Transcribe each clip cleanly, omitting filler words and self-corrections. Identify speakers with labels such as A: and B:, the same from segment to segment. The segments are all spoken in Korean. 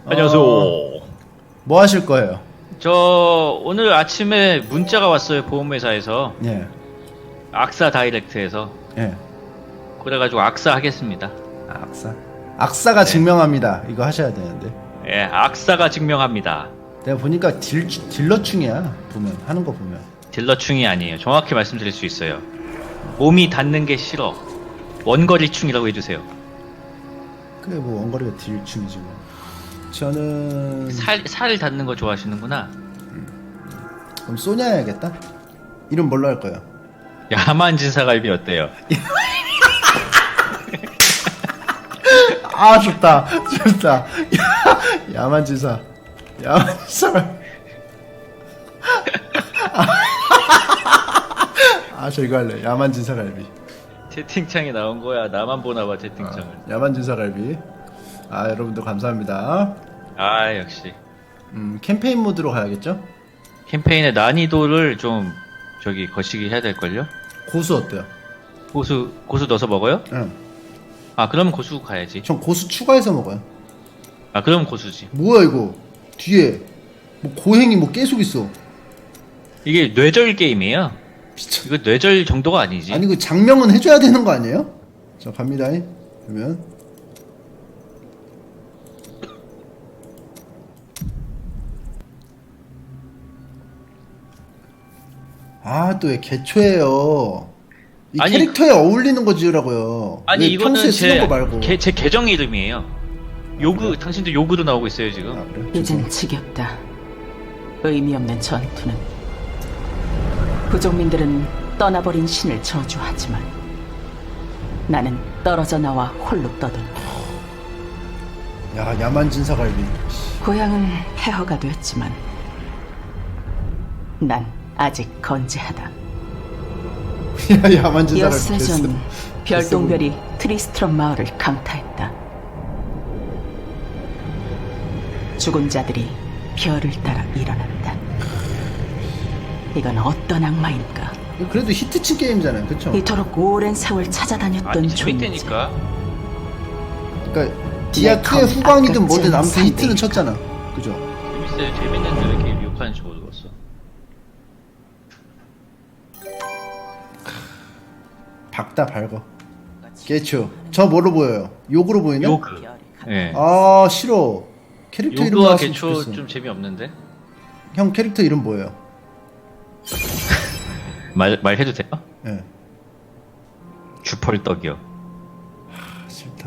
A: 안녕하세요.
B: 뭐 하실 거예요?
A: 저 오늘 아침에 문자가 왔어요. 보험회사에서.
B: 예.
A: 악사 다이렉트에서.
B: 예.
A: 그래가지고 악사 하겠습니다.
B: 악사. 악사가 증명합니다. 이거 하셔야 되는데.
A: 예, 악사가 증명합니다.
B: 내가 보니까 딜러충이야. 보면 하는 거 보면.
A: 딜러충이 아니에요. 정확히 말씀드릴 수 있어요. 몸이 닿는 게 싫어. 원거리충이라고 해주세요.
B: 그래 뭐 원거리가 딜충이지 뭐. 저는
A: 살 닿는 거 좋아하시는구나.
B: 그럼 소냐 해야겠다. 이름 뭘로 할 거예요?
A: 야만 진사갈비 어때요?
B: 아 좋다 좋다. 야만지사 야만지사. 아 저 이거 할래. 야만지사갈비.
A: 채팅창에 나온 거야. 나만 보나봐 채팅창을.
B: 야만지사갈비. 아 여러분들 감사합니다.
A: 아 역시.
B: 캠페인 모드로 가야겠죠?
A: 캠페인의 난이도를 좀 저기 거시기 해야 될걸요?
B: 고수 어때요?
A: 고수 넣어서 먹어요?
B: 응.
A: 아 그러면 고수 가야지.
B: 전 고수 추가해서 먹어요.
A: 아 그러면 고수지.
B: 뭐야 이거? 뒤에 뭐 고행이 뭐 계속 있어.
A: 이게 뇌절 게임이에요.
B: 미쳐.
A: 이거 뇌절 정도가 아니지.
B: 아니 그 장명은 해줘야 되는 거 아니에요? 자 갑니다. 그러면 아 또 왜 개초예요? 이
A: 아니,
B: 캐릭터에 어울리는 거 지으라고요.
A: 아니
B: 왜
A: 이거는
B: 평소에 쓰는 거 말고.
A: 제 계정 이름이에요. 요그 당신도 요그로 나오고 있어요 지금.
B: 아, 그래?
C: 이젠 지겹다. 의미 없는 전투는. 부족민들은 떠나버린 신을 저주하지만 나는 떨어져 나와 홀로 떠돈다.
B: 야 야만진사갈비.
C: 고향은 폐허가 됐지만 난 아직 건재하다.
B: 야 야만진사갈비.
C: 엿새 전 별똥별이 트리스트럼 마을을 강타했다. 죽은 자들이 별을 따라 일어난다. 이건 어떤 악마인가?
B: 그래도 히트친 게임이잖아요, 그쵸?
C: 이토록 오랜 세월 찾아다녔던
A: 아니
C: 존재.
A: 재밌다니까.
B: 그러니까 디아2의 후광이든 뭐든 아무튼 히트는 쳤잖아, 그죠?
A: 재밌어요. 재밌는데 왜 이렇게 욕하는지 모르겠어.
B: 박다 밝어. 깨초. 저 뭐로 보여요? 욕으로 보이네?
A: 요그. 예.
B: 아 싫어. 캐릭터 이름
A: 요그와
B: 나왔으면
A: 개초
B: 좋겠어.
A: 좀 재미없는데?
B: 형 캐릭터 이름 뭐예요?
A: 말해도 돼요?
B: 예.
A: 주펄떡이요.
B: 싫다.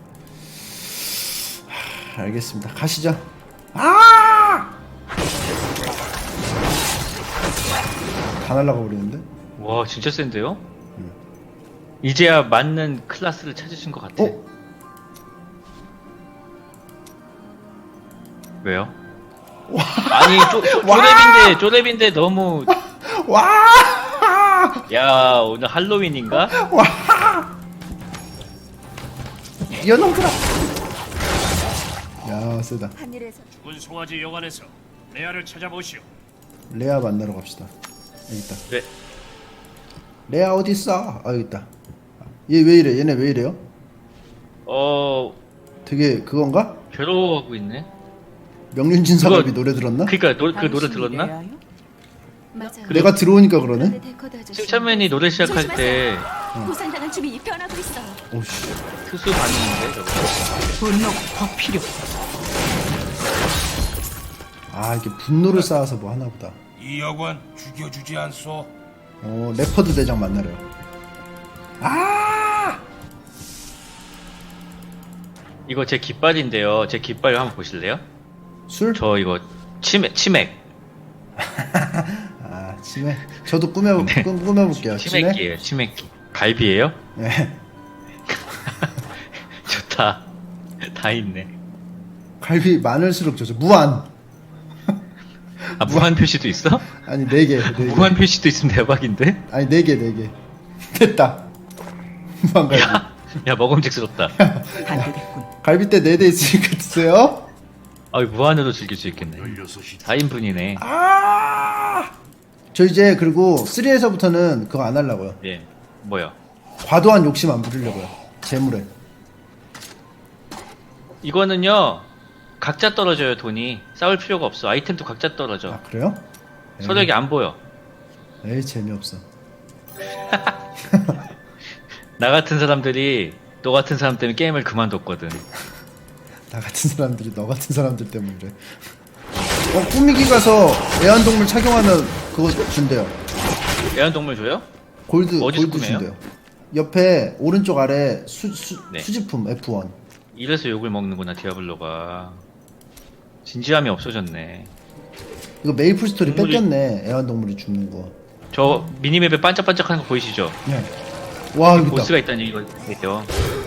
B: 알겠습니다. 가시죠. 아! 다 날라가 버리는데?
A: 와 진짜 센데요? 이제야 맞는 클래스를 찾으신 것 같아.
B: 어?
A: 왜요? 아니 쪼렙인데 너무.
B: 와!
A: 야 오늘 할로윈인가?
B: 뛰어넘더라. 야 세다.
D: 죽은 송아지 영안에서 레아를 찾아보시오.
B: 레아 만나러 갑시다. 여기 있다.
A: 네.
B: 레아 어디 있어? 아 여기 있다. 얘 왜 이래? 얘네 왜 이래요? 되게 그건가?
A: 괴로워하고 있네.
B: 명륜진 사갑이
A: 그거-
B: 노래 들었나?
A: 그니까 그 노래 들었나?
E: 맞아요.
B: 내가 들어오니까 그러네?
E: 데코더 아저씨.
A: 칭찬맨이 노래 시작할 때
E: 부산당한 주민이 변하고 있어요.
B: 오씨.
A: 특수 반응인데 저거.
C: 분노가 더 필요.
B: 아 이게 분노를 쌓아서 뭐 하나 보다.
D: 이 여관 죽여주지 않소.
B: 레퍼드 대장 만나래요. 아!
A: 이거 제 깃발인데요. 제 깃발 한번 보실래요?
B: 술?
A: 저 이거 치맥.
B: 아 치맥. 저도 꾸며볼게요. 치맥?
A: 치맥기예요. 치맥기. 갈비예요?
B: 예.
A: 좋다. 다 있네.
B: 갈비 많을수록 좋죠. 무한.
A: 아 무한 표시도 있어?
B: 아니 4개. 4개.
A: 무한 표시도 있으면 대박인데?
B: 아니 4개 4개. 됐다. 무한 갈비.
A: 야 먹음직스럽다.
C: 안 되겠군.
B: 갈비 때 4대 있으니까 드세요.
A: 아 무한으로 즐길 수 있겠네.
D: 16시
A: 4인분이네.
B: 아! 저 이제 그리고 3에서부터는 그거 안 하려고요.
A: 예. 뭐요?
B: 과도한 욕심 안 부리려고요. 재물에.
A: 이거는요 각자 떨어져요 돈이. 싸울 필요가 없어. 아이템도 각자 떨어져.
B: 아 그래요?
A: 서력이 안 보여.
B: 에이 재미없어.
A: 나 같은 사람들이 너 같은 사람 때문에 게임을 그만뒀거든.
B: 나 같은 사람들이 너 같은 사람들 때문에 그래. 꾸미기 가서 애완동물 착용하면 그거 준대요.
A: 애완동물 줘요?
B: 골드
A: 어디서
B: 골드
A: 구매해요?
B: 준대요. 옆에 오른쪽 아래
A: 네.
B: 수집품 F1.
A: 이래서 욕을 먹는구나 디아블로가. 진지함이 없어졌네.
B: 이거 메이플 스토리
A: 동물이-
B: 뺏겼네. 애완동물이 죽는 거.
A: 저 미니맵에 반짝반짝하는 거 보이시죠?
B: 네. 와 여기 있다.
A: 보스가 있다는 얘기거든요.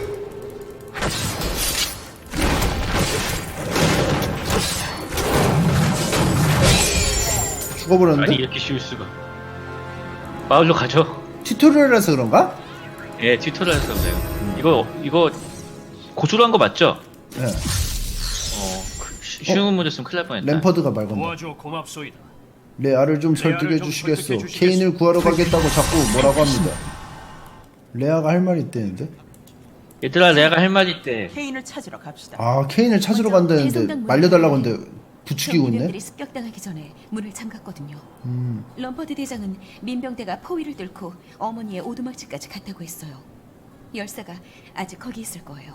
B: 죽어버렸는데?
A: 아니 이렇게 쉬울 수가. 마을로 가죠.
B: 튜토리얼에서 그런가?
A: 예, 튜토리얼에서 그래요. 이거 고수로 한 거 맞죠?
B: 네.
A: 쉬운 문제였으면 큰일 날 뻔했다.
B: 램퍼드가 말 건다.
D: 도와줘 고맙소이다.
B: 레아를 좀 설득해 주시겠소. 케인을 구하러 가겠다고 자꾸 뭐라고 합니다. 레아가 할 말이 있대는데?
A: 얘들아 내가 할 말 있대.
C: 케인을 찾으러 갑시다.
B: 아 케인을 찾으러 간다는데 말려달라고 했는데 부추기고 있네?
E: 경비병들이 습격당하기 전에 문을 잠갔거든요. 럼퍼드 대장은 민병대가 포위를 뚫고 어머니의 오두막집까지 갔다고 했어요. 열사가 아직 거기 있을 거예요.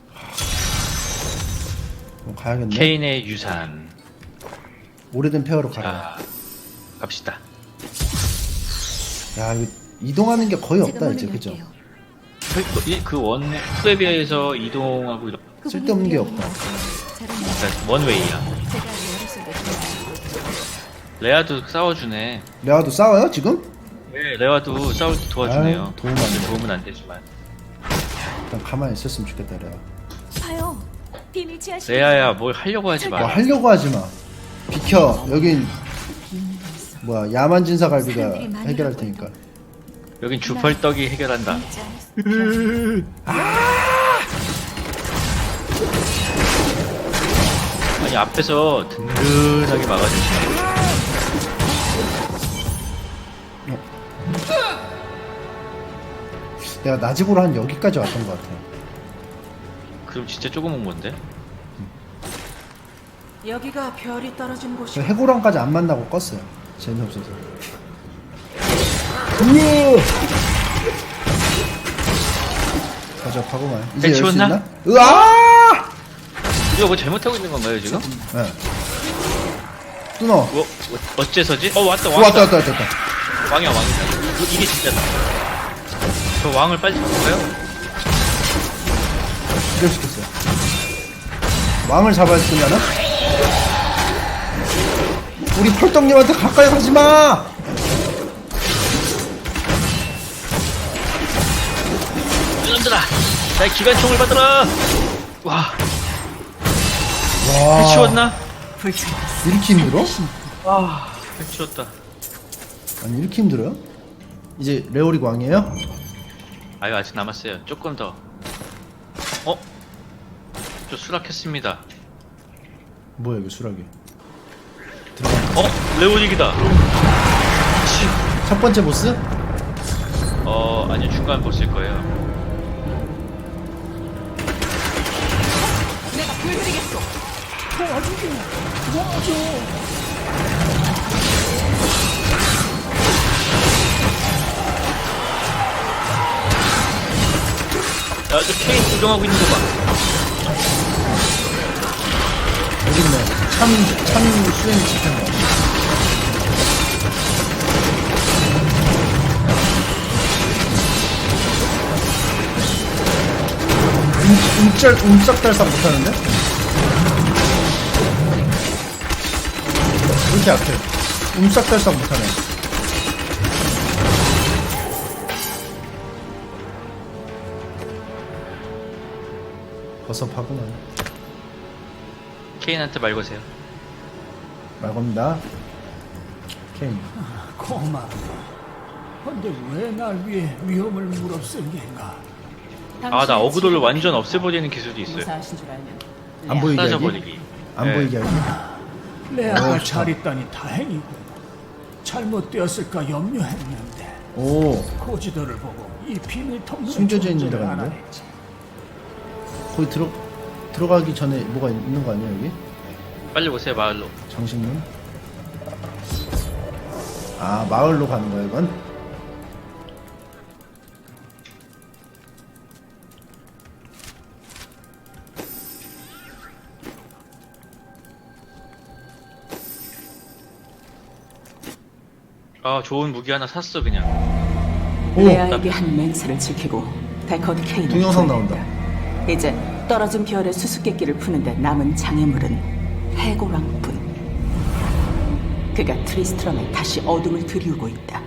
B: 그럼 가야겠네.
A: 케인의 유산.
B: 오래된 폐허로 가라.
A: 자, 갑시다.
B: 야 이거 이동하는 게 거의
E: 제가
B: 없다
E: 문을
B: 이제 그죠?
E: 열게요.
A: 그원 투에 비해서 이동하고 이런.
E: 그분은
B: 쓸데없는 게
E: 위험해요.
B: 없다.
E: 잘하네요.
A: 그러니까 원웨이야.
E: 제가 머릿속에
A: 레아도 싸워주네.
B: 레아도 싸워요 지금?
A: 네, 레아도 싸울 때 도와주네요.
B: 아유, 도움 안 돼.
A: 도움은 안 되지만.
B: 일단 가만히 있었으면 좋겠다 레아.
E: 봐요. 비밀 지하실.
A: 레아야 뭘 하려고 하지
B: 뭐
A: 마.
B: 하려고 하지 마. 비켜. 여긴 뭐야 야만진사 갈비가 해결할 테니까.
A: 여긴 주펄떡이 해결한다. 아니 앞에서 든든하게 막아주시네.
B: 내가 나집으로 한 여기까지 왔던 것 같아.
A: 그럼 진짜 조금 온 건데?
C: 여기가 별이 떨어진 곳이.
B: 저 해고랑까지 안 만나고 껐어요. 재미없어서. 우와! 가져가고만. 이제 열 수
A: 배치웠나?
B: 있나? 으아!
A: 이거 뭐 잘못하고 있는 건가요 지금?
B: 네. 뚫어.
A: 뭐 어째서지? 왔다
B: 왔다.
A: 왕이야 왕이다. 이게 진짜다. 저 왕을 빨리 잡을까요?
B: 기절시켰어요. 왕을 잡아야 쓰면은? 우리 펄떡님한테 가까이 가지 마!
A: 이놈들아, 나의 기관총을 받아라. 와,
B: 와.
A: 해치웠나?
B: 이렇게 힘들어?
A: 해치웠다.
B: 아니, 이렇게 힘들어요? 이제 레오릭 왕이에요?
A: 아유 아직 남았어요. 조금 더. 저 수락했습니다.
B: 뭐야, 이거 수락이.
A: 레오닉이다.
B: 첫 번째 보스?
A: 아니요 중간 보스일 거예요.
C: 내가 보여드리겠소.
A: 야, 저 케인 구경하고 있는 거 봐.
B: 여기 있네. 참 수행 시킨 거. 움짝달싹 못하는데? 왜 이렇게 약해? 움짝달싹 못하네. 버섯하구만.
A: 케인한테 말 거세요.
B: 말 겁니다. 케인.
F: 고마워. 근데 왜 날 위해 위험을 무릅쓴 겐가?
A: 나 어그돌을 완전 없애버리는 기술이 있어요.
C: 무사하신 줄 알면
B: 안 보이게 하기?
A: 사라져버리기.
B: 안
A: 네.
B: 보이게 하기?
F: 레아가
B: 좋다.
F: 잘 있다니 다행이고 잘못되었을까 염려했는데
B: 오,
F: 고지도를 보고 이 비밀 통로에
B: 숨겨져 있는
F: 존재를
B: 데가 있는데?
F: 알아냈지.
B: 거기 들어. 들어가기 전에 뭐가 있는 거 아니야 여기?
A: 빨리 오세요 마을로.
B: 장식문? 아 마을로 가는 거야 이건?
A: 아 좋은 무기 하나 샀어 그냥.
B: 오!
C: 레아에게 한 맹세를 지키고 데커드 케인을
B: 동영상
C: 구해낸다.
B: 나온다.
C: 이제 떨어진 별의 수수께끼를 푸는데 남은 장애물은 해골왕뿐. 그가 트리스트럼에 다시 어둠을 들이우고 있다.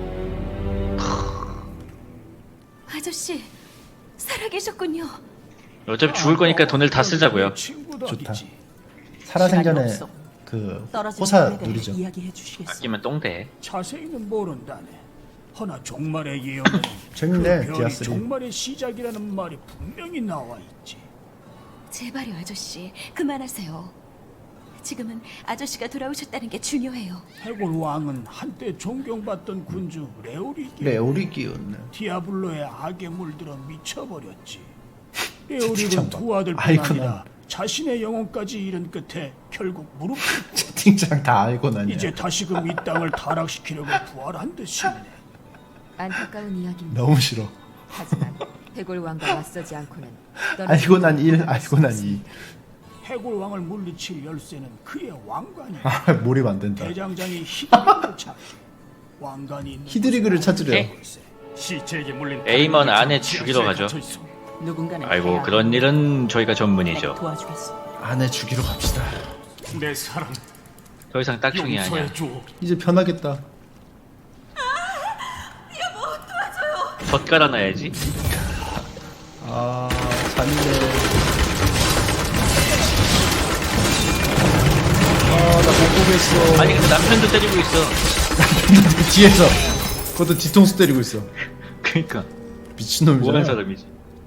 E: 아저씨, 살아계셨군요.
A: 어차피 죽을 거니까 돈을 다 쓰자고요.
B: 좋다.
F: 친구들이지.
B: 살아생전에
C: 시간이 없어.
B: 그
C: 떨어진
B: 호사
C: 별에 대해
B: 누리죠.
C: 이야기해 주시겠어?
A: 아끼면 똥돼.
F: 자세히는 모른다네. 허나 종말의 예언에는
B: 재밌네,
F: 그 별이
B: 디아스리.
F: 종말의 시작이라는 말이 분명히 나와 있지.
E: 제발요, 아저씨. 그만하세요. 지금은 아저씨가 돌아오셨다는 게 중요해요.
F: 해골 왕은 한때 존경받던 군주 레오리기
B: 레오리 끼웠네.
F: 디아블로의 악에 물들어 미쳐버렸지.
B: 채팅창
F: 레오릭은
B: 봐.
F: 두 아들뿐
B: 아이고나.
F: 아니라 자신의 영혼까지 잃은 끝에 결국 무릎 꿇고
B: 채팅창 다 알고 나냐.
F: 이제 다시금 이 땅을 타락시키려고 부활한 듯이네.
G: 안타까운 이야기입니다.
B: 너무 싫어.
G: 하지만 해골 왕과 맞서지 않고는
B: 알고 난 1, 알고 난 2.
F: 해골 왕을 물리칠 열쇠는 그의 왕관이.
B: 아 몰입 안 된다.
F: 대장장이 히드리그를 찾고 왕관이 있는
B: 히드리그를
F: 곳으로
B: 찾으래요.
F: 곳에.
D: 시체에게 물린
A: 에이먼
D: 다른
A: 안에
D: 여자가
A: 죽이러 가죠.
D: 갇혀 있어.
C: 누군가는
A: 아이고
C: 해야
A: 그런 일은 저희가 전문이죠.
C: 내가 도와주겠어.
B: 안에 죽이러 갑시다.
D: 내 사랑
A: 더 이상 딱중이 아니야.
D: 용서해 줘.
B: 이제 편하겠다.
A: 덧 깔아놔야지.
B: 아 잔인해. 아나 못 보겠어.
A: 아니 근데 남편도 때리고 있어.
B: 뒤에서 그것도 뒤통수 때리고 있어.
A: 그러니까
B: 미친놈이잖아.
A: 뭐하는 사람이지?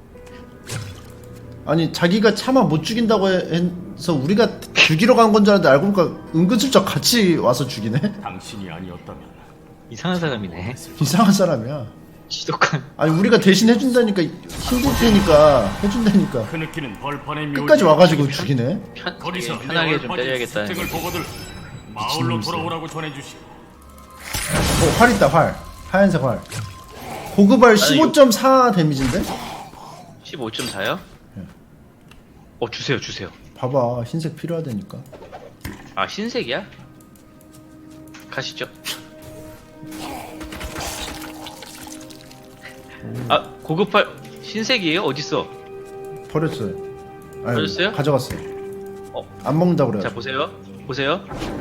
B: 아니 자기가 차마 못 죽인다고 해서 우리가 죽이러 간 건 줄 알았는데 알고 보니까 은근슬쩍 같이 와서 죽이네.
D: 당신이 아니었다면
A: 이상한 사람이네.
B: 이상한 사람이야.
A: 지독한.
B: 아니 우리가 대신 해준다니까 힘들 테니까 해준다니까
D: 그 느끼는 벌판의 묘지.
B: 끝까지 와가지고 죽이네.
D: 거기서
A: 편하게 좀 때려야겠다.
D: 을 보고들 마을로 돌아오라고 전해주시.
B: 활 있다 활. 하얀색 활. 고급활 15.4 데미지인데?
A: 15.4요? 주세요 주세요.
B: 봐봐 흰색 필요하다니까.
A: 아 흰색이야? 가시죠. 아 고급팔 흰색이에요? 어딨어?
B: 버렸어요. 아니,
A: 버렸어요?
B: 가져갔어요.
A: 어.
B: 안 먹는다 그래요.
A: 자 보세요. 보세요.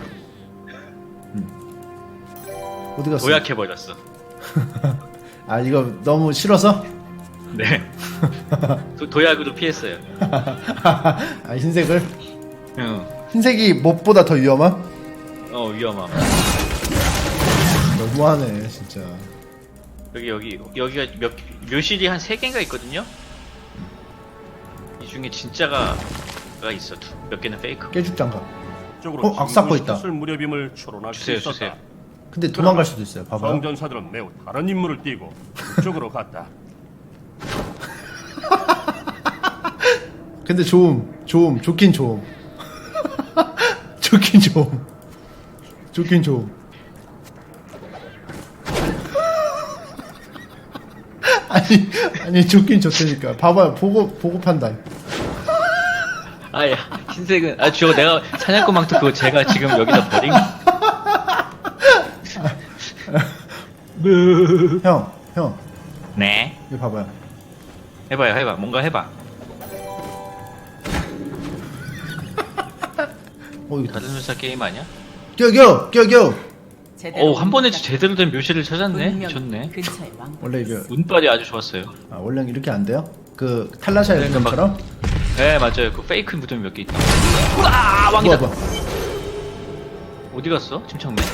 B: 어디 갔어?
A: 도약해 버렸어.
B: 아 이거 너무 싫어서?
A: 네. 도약으로 피했어요.
B: 아 흰색을?
A: 응.
B: 흰색이 뭣보다 더 위험함?
A: 위험함.
B: 너무하네 진짜.
A: 여기가 묘실이 한 3개인가 있거든요. 이 중에 진짜가 있어. 몇 개는 페이크.
B: 깨죽장갑.
D: 쪽으로
B: 악사코 있다.
D: 술 무렵임을 추론할 수
A: 주세요
D: 있었다.
A: 주세요.
B: 근데 도망갈 수도 있어요. 봐봐요.
D: 성전사들은 매우 다른 임무를 띠고 그쪽으로 갔다.
B: 근데 좋긴 좋음. 좋긴 좋음. 아니 좋긴 좋다니까. 봐봐요. 보고 판단.
A: 아야 흰색은 저거 내가 사냥꾼 망토 그거 제가 지금 여기다 버린.
B: 형
A: 네.
B: 이거 봐봐요.
A: 해봐. 뭔가 해봐.
B: 이거
A: 다른 회사 게임 아니야?
B: 껴.
A: 한 번에 제대로 된 묘실을 찾았네. 미쳤네.
C: 근처에 왕.
B: 원래 이거
A: 운빨이 아주 좋았어요.
B: 원래 이렇게 안 돼요? 그 탈라샤의
A: 그러니까
B: 것처럼?
A: 네 맞아요. 그 페이크 무덤이 몇 개 있다. 우와 왕이다.
B: 뭐야.
A: 어디 갔어? 침착맨.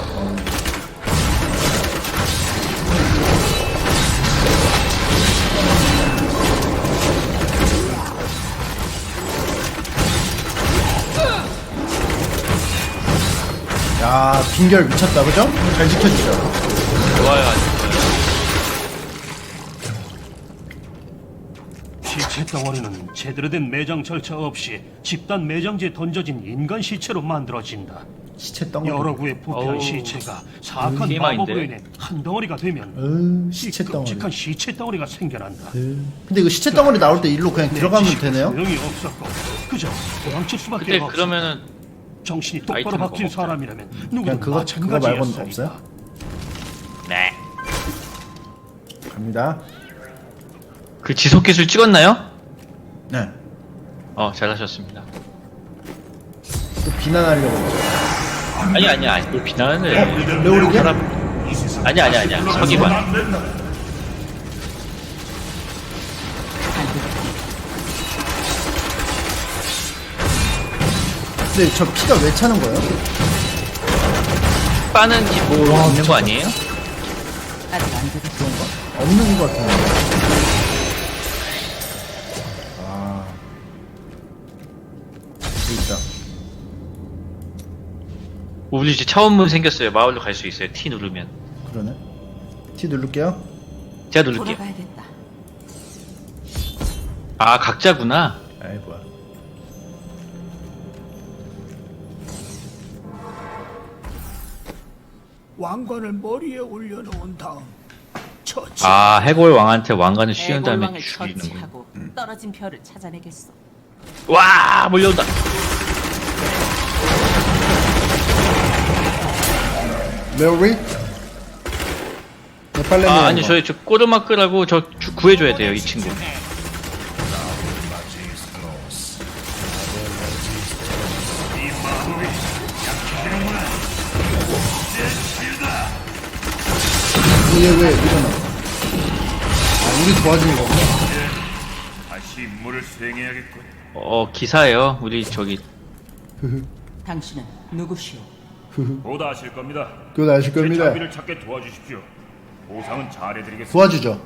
B: 야 빈결 미쳤다 그죠? 잘 지켜주죠.
A: 좋아요.
D: 시체 덩어리는 제대로 된 매장 절차 없이 집단 매장지에 던져진 인간 시체로 만들어진다.
B: 시체 덩어리.
D: 여러 구에 부패한
A: 어우,
D: 시체가 사악한
A: TMI 인데.
D: 마법으로 인해 한 덩어리가 되면
B: 시체 덩어리.
D: 끔찍한 시체 덩어리가 생겨난다.
B: 근데 이거 시체 덩어리 나올 때 일로 그냥 들어가면
D: 지식은
B: 되네요?
D: 소용이 없었고 그저 도망칠 수밖에
A: 근데
D: 없어.
A: 그러면은
D: 정신이 똑바로
A: 아이템은
D: 박힌
A: 뭐
D: 사람이라면
B: 그냥
D: 누구든
B: 그거 말고는
D: 마찬가지였으리다.
B: 없어요?
A: 네.
B: 갑니다.
A: 그 지속 기술 찍었나요?
B: 네.
A: 잘하셨습니다.
B: 또 비난하려고 그러죠.
A: 아니 뭐 비난을
B: 레오리게?
A: 아니야 서기관.
B: 근데 저 피가 왜 차는 거예요?
A: 빠는 기본 있는 거 아니에요?
C: 아직 안 되겠어.
B: 없는 것 같은데. 아. 여기 있다.
A: 우리 이제 차원문 생겼어요. 마을로 갈 수 있어요. T 누르면.
B: 그러네. T 누를게요.
A: 제가 누를게요.
C: 돌아가야겠다.
A: 아 각자구나.
B: 아이 뭐야.
F: 왕관을 머리에 올려놓은 다음 처치.
A: 아 해골 왕한테 왕관을 씌운 다음에
C: 해골왕을
A: 죽이는 거.
C: 처치하고 떨어진 별을 찾아내겠어.
A: 와 몰려온다.
B: 레오리? 네, 빨리
A: 아 아니 저 꼬르마크라고 구해줘야 돼요 이 친구.
B: 얘왜 일어나? 아, 우리 도와주는 거구나.
D: 다시 임무를 수행해야겠군.
A: 기사예요. 우리 저기
C: 당신은 누구시오?
D: 보다 하실 겁니다.
B: 그건 아실
D: 제
B: 겁니다.
D: 자비를 찾게 도와주십시오. 보상은 잘해드리겠습니다.
B: 도와주죠.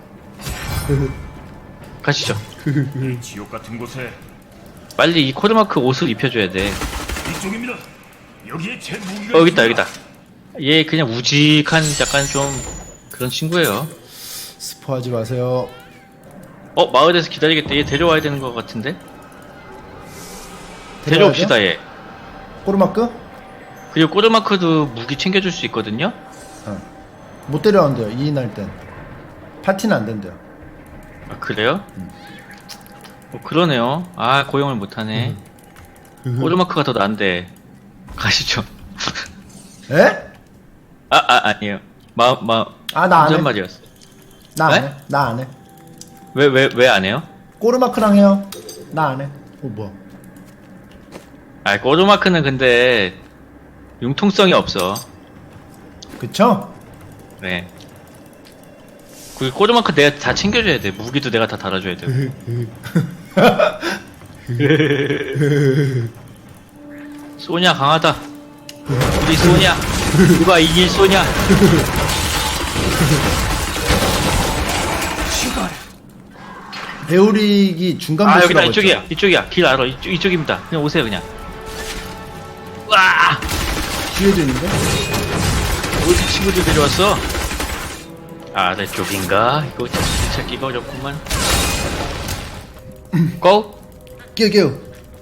A: 가시죠.
D: 이 지옥 같은 곳에
A: 빨리 이 코르마크 옷을 입혀줘야 돼.
D: 이쪽입니다. 여기에 제 무기가
A: 여기 있다. 얘 그냥 우직한 약간 좀 그런 친구예요.
B: 스포하지 마세요.
A: 마을에서 기다리겠다. 얘 데려와야 되는 것 같은데?
B: 데려와야죠?
A: 데려옵시다 얘.
B: 꼬르마크?
A: 그리고 꼬르마크도 무기 챙겨줄 수 있거든요?
B: 못 데려왔는데요. 2인 할 땐. 파티는 안 된대요.
A: 아 그래요? 그러네요. 아 고용을 못하네. 꼬르마크가 더 나은데 가시죠.
B: 에?
A: 아니에요. 나
B: 나 안 해.
A: 혼잣말이었어.
B: 나 안
A: 네?
B: 해. 나 안 해.
A: 왜 안 해요?
B: 꼬르마크랑 해요. 나 안 해. 뭐야.
A: 아 꼬르마크는 근데 융통성이 없어.
B: 그쵸?
A: 네. 그 꼬르마크 내가 다 챙겨줘야 돼. 무기도 내가 다 달아줘야 돼. 소냐 강하다. 우리 소냐. 누가 이길 소냐.
B: 배우릭이 중간
A: 아
B: 보스라고
A: 여기다
B: 했죠?
A: 이쪽이야. 길 알아. 이쪽입니다. 그냥 오세요 그냥. 와.
B: 뒤에도 있는데?
A: 어디 친구들 데려왔어? 아래쪽인가? 이거 찾기가 어렵구만. 고!
B: 끼우.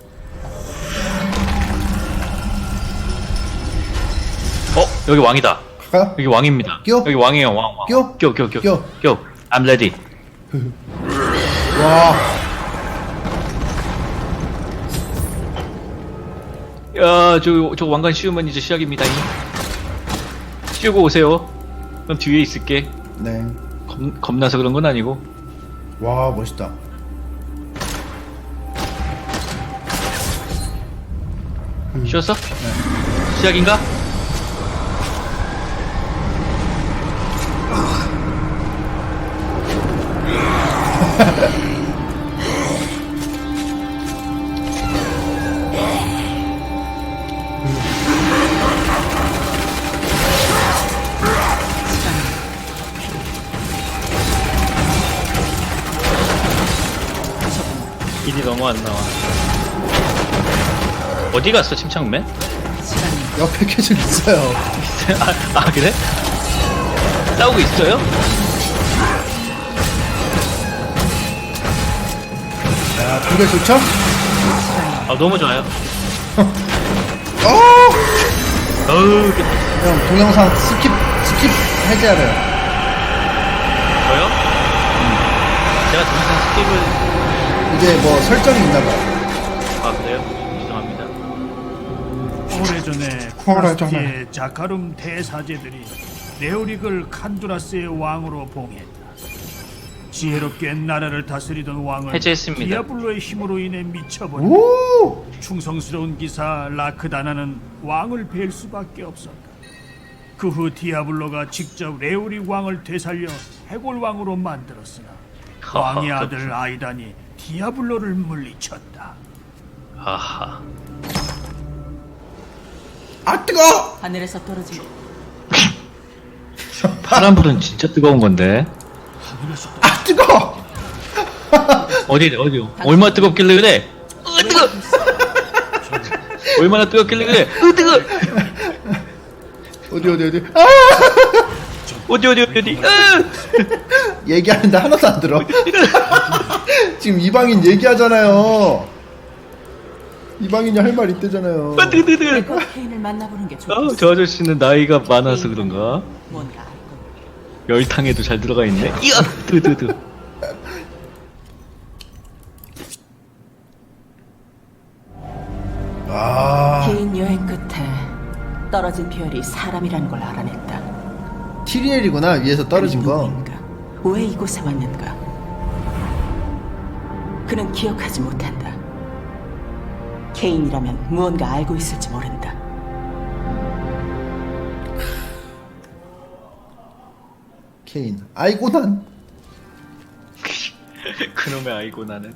A: 여기 왕이다.
B: 갈까요?
A: 여기 왕입니다.
B: 껴?
A: 여기 왕이에요, 왕.
B: 껴?
A: 껴.
B: 껴.
A: I'm ready.
B: 와.
A: 야, 저 왕관 씌우면 이제 시작입니다. 씌우고 오세요. 그럼 뒤에 있을게.
B: 네.
A: 겁나서 그런 건 아니고.
B: 와, 멋있다.
A: 쉬었어? 네. 시작인가? 일이 너무 안 나와. 어디 갔어, 침착맨?
B: 옆에 계속 있어요.
A: 그래? 싸우고 있어요?
B: 자, 동결 좋죠?
A: 아 너무 좋아요.
B: 어!
A: 어우
B: 형, 동영상 스킵 해제하래요.
A: 저요? 제가 동영상 스킵을
B: 이게 뭐 설정이 있나봐요.
A: 아 그래요? 죄송합니다.
F: 오래전에 쿠라스티의 자카룸 대사제들이 레오릭을 칸두라스의 왕으로 봉했다. 지혜롭게 나라를 다스리던 왕은
A: 해제했습니다.
F: 디아블로의 힘으로 인해 미쳐버렸다.
B: 오!
F: 충성스러운 기사 라크다나는 왕을 뵐 수밖에 없었다. 그 후 디아블로가 직접 레오릭 왕을 되살려 해골 왕으로 만들었으나 왕의 아들 아이단이 디아블로를 물리쳤다.
A: 아하.
B: 아, 뜨거!
C: 하늘에서 떨어진
A: 파란불은 진짜 뜨거운 건데.
B: 아, 뜨거!
A: 어디 얼마나 뜨겁길래 그래? 뜨거. 얼마나 뜨겁길래 그래? 뜨거.
B: 어디. 아!
A: 어디.
B: 얘기하는데 하나도 안 들어. 지금 이방인 얘기하잖아요. 이방인이 할 말 있대잖아요.
A: 뜨거.
C: 백업 케인을 만나보는 게 좋겠어.
A: 저 아저씨는 나이가 많아서 그런가?
C: 뭔가 알고.
A: 열탕에도 잘 들어가 있네. 이야, 뜨.
B: 아,
C: 긴 여행 끝에 떨어진 별이 사람이라는 걸 알아냈다.
B: 티리엘이구나, 위에서 떨어진 거.
C: 누구인가? 왜 이곳에 왔는가? 그는 기억하지 못한다. 케인이라면 무언가 알고 있을지 모른다.
B: 케인. 아이고, 난.
A: 그놈의 아이고 나는.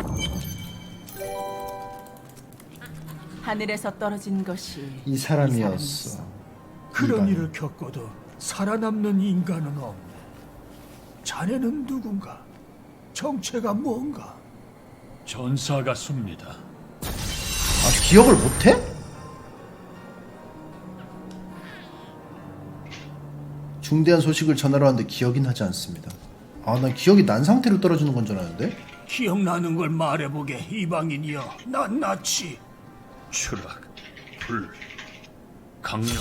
C: 하늘에서 떨어진 것이
B: 이 사람이었어.
F: 그런
B: 이방.
F: 일을 겪어도 살아남는 인간은 없네. 자네는 누군가? 정체가 뭔가?
H: 전사 같습니다.
B: 아, 기억을 못해? 중대한 소식을 전하러 왔는데 기억이 나지 않습니다. 아, 난 기억이 난 상태로 떨어지는 건 줄 알았는데?
F: 기억나는 걸 말해보게, 이방인이여. 난 나치.
H: 추락, 불, 강력.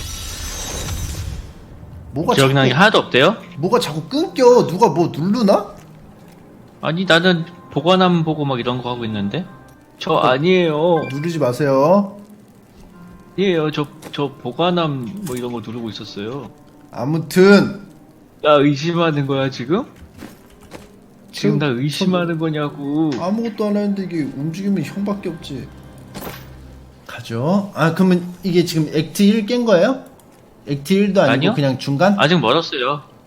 B: 뭐가
A: 기억나는 게
B: 자꾸,
A: 하나도 없대요?
B: 뭐가 자꾸 끊겨. 누가 뭐 누르나?
A: 아니 나는 보관함 보고 막 이런 거 하고 있는데. 저 아니에요.
B: 누르지 마세요.
A: 아니에요. 저 보관함 뭐 이런 거 누르고 있었어요.
B: 아무튼
A: 나 의심하는 거야 지금? 지금 나 의심하는 거냐고.
B: 아무것도 안 했는데 이게 움직이면 형밖에 없지. 가죠. 아, 그러면 이게 지금 액트 1 깬 거예요? 액트 1도 아니고
A: 아니요.
B: 그냥 중간?
A: 아직 멀었어요.